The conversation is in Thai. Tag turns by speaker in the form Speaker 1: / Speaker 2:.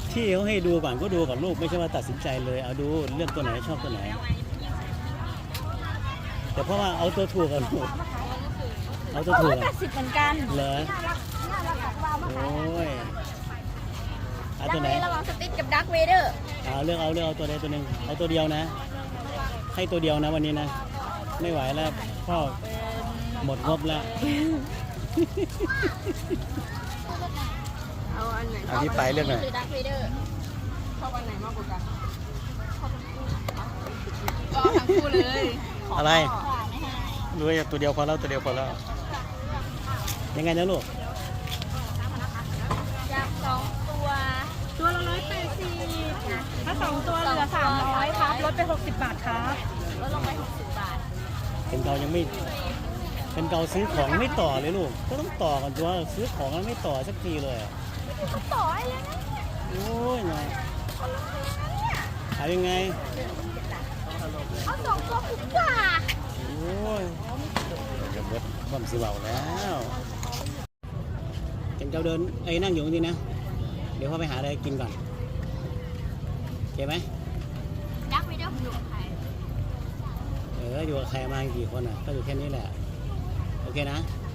Speaker 1: ที่เขาให้ดูก่อนก็ดูกับลูกไม่ใช่ว่าตัดสินใจเลยเอาดูเลือกตัวไหนชอบตัวไหนแต่เพราะว่าเอาตัวถูกกับลูกเอาตัวถูก
Speaker 2: 180เหมือนกัน
Speaker 1: เหรอโอ้ยเอาตัวไหน
Speaker 2: ระหว่างสติ๊กกับดักเวเดอร์
Speaker 1: เลือกเอาตัวใดตัวหนึ่งเอาตัวเดียวนะให้ตัวเดียวนะวันนี้นะไม่ไหวแล้วพ่อหมดงบแล้ว
Speaker 2: เอาอันไหน
Speaker 1: อันนี้ไปเลือกหน่อย
Speaker 2: ดักเวเดอร์ชอบอันไหนมากกว่ากันก็ทั้งคู่เลย
Speaker 1: อะไรรู้ว่าตัวเดียวพอแล้วตัวเดียวพอแล้วยังไงนะลูก
Speaker 2: อยาก2ตัวละ180ถ้า2ตัวเหลือ300ครับลดไป60 บาทครับลดลงไป60 บาท
Speaker 1: เป็นเรายังไม่เป็นเราซื้อของไม่ต่อเลยลูกก็ต้องต่อกันตัวซื้อของแล้วไม่ต่อสักทีเลย
Speaker 2: ก็ต่อให้เลยนะ
Speaker 1: โอ้ยนะขายยังไง
Speaker 2: เอา2ตัวคุ้มกว่า
Speaker 1: โอ้ยจะเบิดบ่มสิเบาแล้วเป็นเราเดินนั่งอยู่นี่นะเดี๋ยวพ่อไปหาอะไรกินก่อนโอเคไหม
Speaker 2: ดักไม่ได้อยู่กับใคร
Speaker 1: อยู่กับใครมากี่คนอ่ะก็อยู่แค่นี้แหละโอเคนะ